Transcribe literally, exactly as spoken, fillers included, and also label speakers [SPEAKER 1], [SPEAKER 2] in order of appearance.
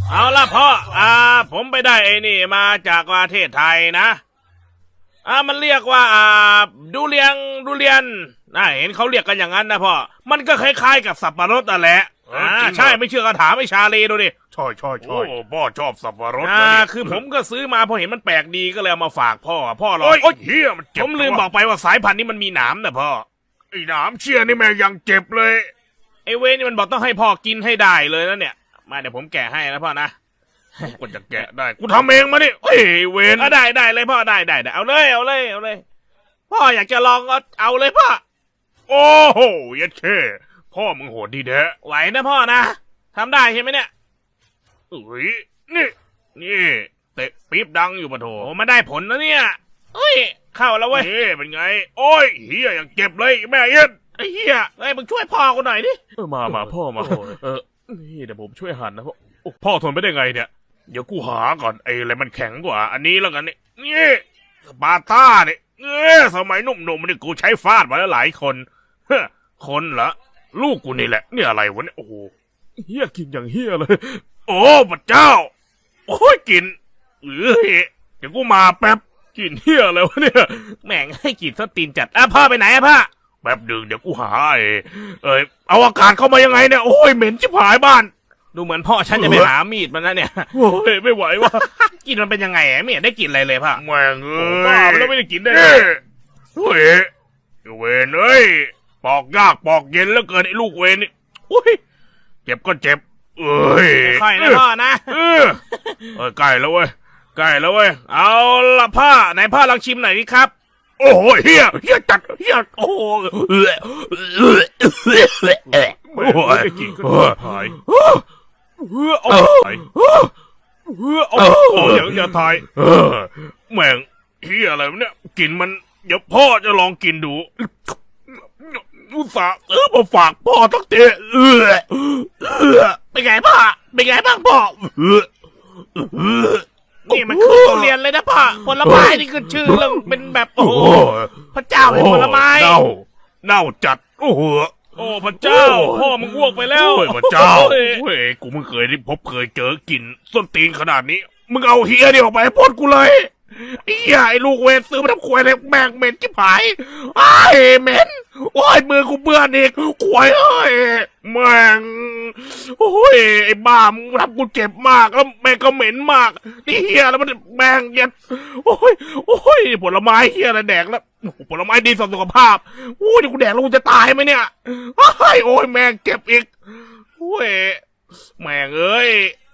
[SPEAKER 1] เอาละพ่ออ่าผมไปได้ไอ้นี่มาจากประเทศไทยนะอ่ามันเรียกว่าอ่าดูเรียงดูเรียนน่าเห็นเขาเรียกกันอย่างนั้นนะพ่อมันก็คล้ายๆกับสับปะรดนั่นแหละอ่าใช่ไม่เชื่อก็ถามไอ้ชาลีดูดิ
[SPEAKER 2] ใช่ใช่ใช่พ่อชอบสับปะรดนะ
[SPEAKER 1] อ่า
[SPEAKER 2] เนี่ย
[SPEAKER 1] คือผมก็ซื้อมาพอเห็นมันแปลกดีก็เลยเอามาฝากพ่อพ่อลอง
[SPEAKER 2] โอ้ยเฮียมันเจ็บ
[SPEAKER 1] ผมลืมบอกไปว่าสายพันธุ์นี้มันมีหนามนะพ่อ
[SPEAKER 2] ไอ้หนามเชี่ยนี่แม่งยังเจ็บเลย
[SPEAKER 1] ไอ้เวนี่มันบอกต้องให้พ่อกินให้ได้เลยนะเนี่ยมาเดี๋ยวผมแกะให้นะพ่อนะ
[SPEAKER 2] กูจะแกะได้กูทำเองมาดิเฮ้ยเวน
[SPEAKER 1] อ่ะได้ได้เลยพ่อได้ได้ได้เอาเลยเอาเลยเอาเลยพ่ออยากจะลองก็เอาเลยพ่อ
[SPEAKER 2] โอ้โหยัดเช่พ่อมึงโหดดีแท้
[SPEAKER 1] ไหวนะพ่อนะทำได้ใช่ไหมเนี่ย
[SPEAKER 2] เอ้ยนี่นี่เตะปี๊บดังอยู่ปะโถ
[SPEAKER 1] โอ้มาได้ผลนะเนี่ยเฮ้ยเข้าแล้วเว้ย
[SPEAKER 2] นี่เป็นไงโอ้ยเฮียยังเจ็บเลยแม่เอ็น
[SPEAKER 1] ไอ้เหี้ยเฮ้ยมึงช่วยพ่อกูหน่อยดิ
[SPEAKER 2] เออมามาพ่อมาเออนี่เดี๋ยวผมช่วยหั่นนะพ่อโอ้พ่อทนไม่ได้ไงเนี่ยเดี๋ยวกูหาก่อนไอ้อะไรมันแข็งกว่าอันนี้แล้วกันนี่นี่สปาร์ต้าเนี่ยเออสมัยหนุ่มๆนี่กูใช้ฟาดมาแล้วหลายคนเฮ้อคนเหรอลูกกูนี่แหละนี่อะไรวะเนี่ยโอ้โหเฮียกินอย่างเฮียเลยโอ้พระเจ้าโอ้ยกินเอ้ยเดี๋ยวกูมาแป๊บกินเฮียอะไรวะเนี่ย
[SPEAKER 1] แม่งให้กีดสตีนจัดอ่ะพ่อไปไหนอะพ่อ
[SPEAKER 2] แป๊บดึงเดี๋ยวกูหาไอ้เอ้ยเอาอากาศเข้ามายังไงเนี่ยโอ้ยเหม็นชิบหายบ้าน
[SPEAKER 1] ดูเหมือนพ่อฉันจะไปหามีดมันนะเนี่ย
[SPEAKER 2] โอ้ยไม่ไหววะ
[SPEAKER 1] กินมันเป็นยังไงไม่เห็นได้กินอะไรเลยพ่อ
[SPEAKER 2] แม่งเอ้ย
[SPEAKER 1] บ้าไปแล้วไม่ได้กินได้ไง
[SPEAKER 2] เฮ้ยเวนเอ้ยปอกยากปอกเย็นแล้วเกินไอ้ลูกเวนนี่โอ้ยเจ็บก็เจ็บเอ้ย
[SPEAKER 1] ค่อยนะพ่อนะ
[SPEAKER 2] เออเออใกล้แล้วเว้ยใกล้แล้วเว้ย
[SPEAKER 1] เอาละพ่อไหนพ่อลองชิมหน่อยดิครับ
[SPEAKER 2] โอ้โหเฮียเฮียจัดเฮียโอ้โหเออเออโอ้โหกินก็หายเออเอาไปเออเอาอย่างอย่าทายเออแม่งเฮียอะไรวะเนี่ยกินมันเดี๋ยวพ่อจะลองกินดูอุตส่าห์เออมาฝากพ่อตั้งแต่เออเออ
[SPEAKER 1] เป็นไงพ่อเป็นไงบ้างพ่อ
[SPEAKER 2] เออเออ
[SPEAKER 1] นี่มันคือทุเรียนเลยนะพ่อผลไม้นี่คือชื่อเรื่องเป็นแบบโอ้โหพระเจ้าเป็นผลไม้
[SPEAKER 2] เน่าเน่าจัดโอ้โห
[SPEAKER 1] โอ้พระเจ้าพ่อมึงอ้วกไปแล้ว
[SPEAKER 2] โอ้ยพระเจ้าเฮ้ยกูมึงเคยได้พบเคยเจอกินส้นตีนขนาดนี้มึงเอาเฮียนี่ออกไปให้พ้นกูเลยไอ้เหี้ยไอ้ลูกเวรซื้อมาทำควยเลยแม่งเหม็นชิบหายไอ้เหม็นโอ้ยมือกูเปื้อนอีกควยเอ้ยแม่งโอ้ยไอ้บ้ามึงทำกูเจ็บมากแล้วแม่งก็เหม็นมากนี่เหี้ยแล้วมันแม่งเย็ดโอ้ยโอ้ยผลไม้เหี้ยอะไรแดกแล้วผลไม้ดีต่อสุขภาพโอ้ยกูแดกแล้วกูจะตายไหมเนี่ยโอ้ยโอ้ยแม่งเจ็บอีกโอ้ยแม่งเอ้ย